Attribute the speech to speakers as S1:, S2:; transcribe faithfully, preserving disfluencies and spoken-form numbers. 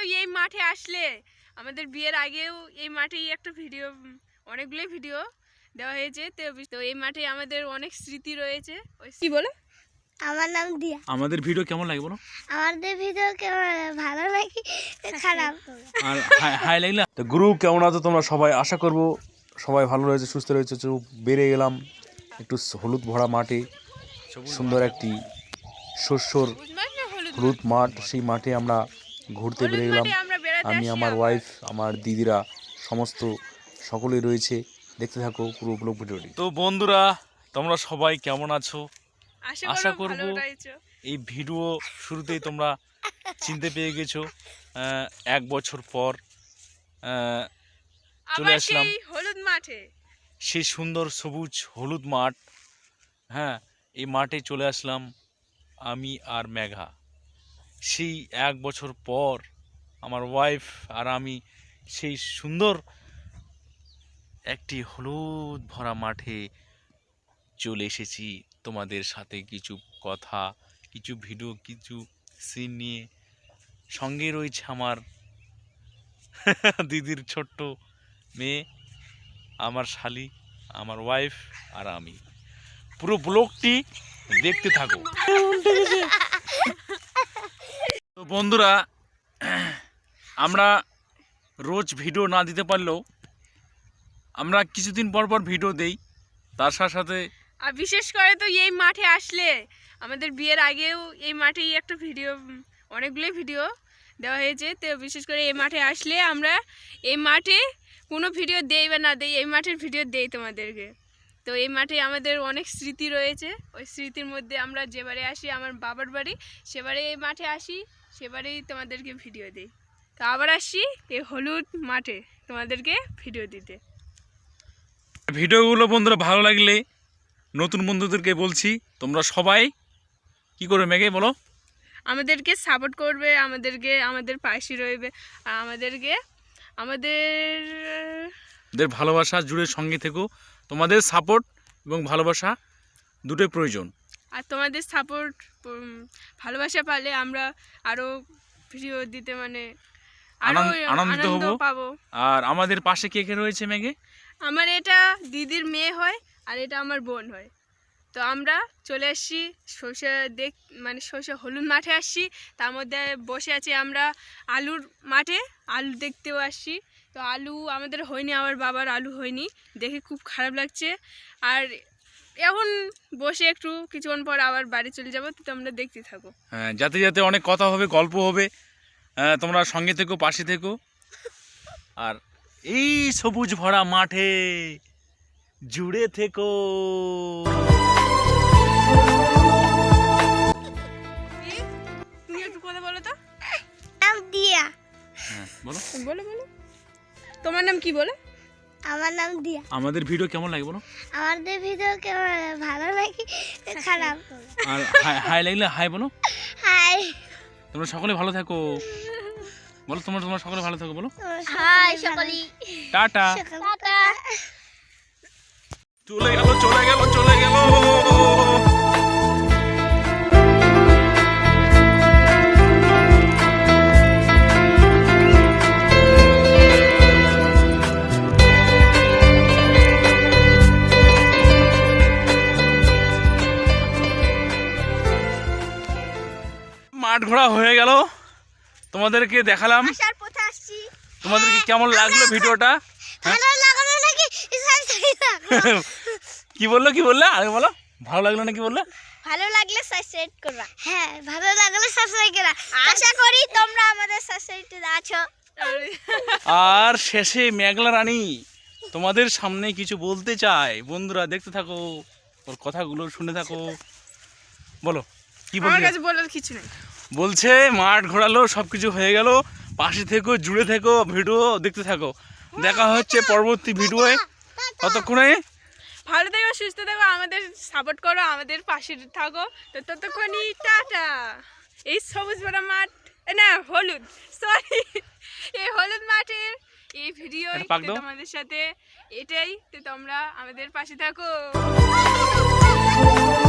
S1: এই মাঠে আসলে আমাদের বিয়ের আগেও এই মাঠেই একটা ভিডিও অনেকগুলোই ভিডিও দেওয়া হয়েছে। তো এই মাঠে আমাদের অনেক স্মৃতি রয়েছে। ওই কি বলে
S2: আমার নাম দিয়া।
S3: আমাদের ভিডিও কেমন লাগে বলো?
S2: আমাদের ভিডিও কেমন ভালো লাগে খারাপ
S3: আর হাই লাগলে তো গ্রুপ কেমন আছো তোমরা সবাই? আশা করব সবাই ভালো রয়েছে, সুস্থ রয়েছে। চুপ বেরিয়ে গেলাম একটু হলুদ ভরা মাঠে, সুন্দর একটি শস্যর হলুদ মাঠ। সেই মাঠে আমরা ঘুরতে বেরিয়ে গেলাম। আমি, আমার ওয়াইফ, আমার দিদিরা, সমস্ত সকলেই রয়েছে। দেখতে থাকো পুরো ব্লগ ভিডিওটি। তো বন্ধুরা, তোমরা সবাই কেমন আছো? আশা করব এই ভিডিও শুরুতেই তোমরা চিনতে পেয়ে গেছো। এক বছর পর চলে আসলাম
S1: হলুদ মাঠে,
S3: সেই সুন্দর সবুজ হলুদ মাঠ। হ্যাঁ, এই মাঠে চলে আসলাম আমি আর মেঘা। সেই এক বছর পর আমার ওয়াইফ আর আমি সেই সুন্দর একটি হলুদ ভরা মাঠে চলে এসেছি তোমাদের সাথে কিছু কথা, কিছু ভিডিও, কিছু সিন নিয়ে। সঙ্গে রয়েছে আমার দিদির ছোট্ট মেয়ে, আমার শালি, আমার ওয়াইফ আর আমি। পুরো ব্লগটি দেখতে থাকো। তো বন্ধুরা, আমরা রোজ ভিডিও না দিতে পারলেও আমরা কিছুদিন পর পর ভিডিও দেই। তার সাথে সাথে
S1: আর বিশেষ করে তো এই মাঠে আসলে আমাদের বিয়ের আগেও এই মাঠেই একটা ভিডিও অনেকগুলোই ভিডিও দেওয়া হয়েছে। তো বিশেষ করে এই মাঠে আসলে আমরা এই মাঠে কোনো ভিডিও দেই বা না দেই, এই মাঠের ভিডিও দেই তোমাদেরকে। তো এই মাঠে আমাদের অনেক স্মৃতি রয়েছে। ওই স্মৃতির মধ্যে আমরা যেবারে আসি আমার বাবার বাড়ি, সেবারে এই মাঠে আসি, সেবারেই তোমাদেরকে ভিডিও দিই। তো আবার আসি এই হলুদ মাঠে তোমাদেরকে ভিডিও দিতে।
S3: ভিডিওগুলো বন্ধুরা ভালো লাগলে নতুন বন্ধুদেরকে বলছি, তোমরা সবাই কি করবে মেঘে বলো?
S1: আমাদেরকে সাপোর্ট করবে, আমাদেরকে আমাদের পাশে রইবে, আর আমাদেরকে আমাদের
S3: ভালোবাসা জুড়ে সঙ্গে থেকো। তোমাদের সাপোর্ট এবং ভালোবাসা দুটোই প্রয়োজন।
S1: আর তোমাদের সাপোর্ট ভালোবাসা পালে আমরা আরও ভিডিও দিতে মানে আরও আনন্দিত পাবো।
S3: আর আমাদের পাশে কে কে রয়েছে মেঘে?
S1: আমার এটা দিদির মেয়ে হয় আর এটা আমার বোন হয়। তো আমরা চলে আসছি সর্ষে দেখ মানে সর্ষে হলুদ মাঠে আসছি, তার মধ্যে বসে আছি আমরা আলুর মাঠে, আলু দেখতেও আসছি। তো আলু আমাদের হয়নি, আমার বাবার আলু হয়নি, দেখে খুব খারাপ লাগছে। আর এখন বসে একটু কিছুক্ষণ পর আবার বাড়ি চলে যাবো। তো তোমরা দেখতে থাকো।
S3: হ্যাঁ, যাতে যাতে অনেক কথা হবে, গল্প হবে। হ্যাঁ, তোমরা সঙ্গে থেকো, পাশে থেকো। আর এই সবুজ ভরা মাঠে জুড়ে থেকো।
S1: তুমি একটু কথা বলো তো।
S2: নাম দিয়া।
S3: হ্যাঁ বলো
S1: বলো বলো তোমার নাম কি বলো?
S2: আমার নাম দিয়া।
S3: আমাদের ভিডিও কেমন লাগে বলো?
S2: আমাদের ভিডিও কেমন ভালো লাগে খারাপ
S3: আর হাই লাগলে হাই বলো।
S2: হাই।
S3: তোমরা সকলে ভালো থাকো বলো। তোমরা তোমরা সকলে ভালো থাকো বলো।
S2: হাই সকলে।
S3: টাটা।
S2: টাটা।
S3: চলে গেল চলে গেল চলে গেল। মাঠ ঘোরা হয়ে গেল, তোমাদেরকে দেখালাম।
S2: আসার পথে আসছি।
S3: তোমাদেরকে কেমন লাগলো ভিডিওটা?
S2: ভালো লাগলো নাকি?
S3: কি বললো কি বললে আগে বলো। ভালো লাগলো না কি বললে?
S2: ভালো লাগলে সাবস্ক্রাইব করবা। হ্যাঁ, ভালো লাগলে সাবস্ক্রাইব করবা। আশা করি তোমরা আমাদের সাবস্ক্রাইবতে আছো।
S3: আর শেষে মেঘলা রানী তোমাদের সামনে কিছু বলতে চায়। বন্ধুরা দেখতে থাকো, ওর কথাগুলো শুনে থাকো। বলো কি বলছো?
S1: আমার কাছে বলার কিছু নেই।
S3: বলছে মাঠ ঘোরালো, সবকিছু হয়ে গেল, পাশে থেকো, জুড়ে থেকো, ভিডিও দেখতে থাকো। দেখা হচ্ছে পরবর্তী ভিডিওয়ে। ততক্ষণে
S1: ভালো থেকো, সুস্থ থেকো, আমাদের সাপোর্ট করো, আমাদের পাশে থাকো। তো ততক্ষণই টাটা। এই সবুজ বড় মাঠ না হলুদ সরি এই হলুদ মাঠের এই ভিডিও তোমাদের সাথে এটাই। তো তোমরা আমাদের পাশে থাকো।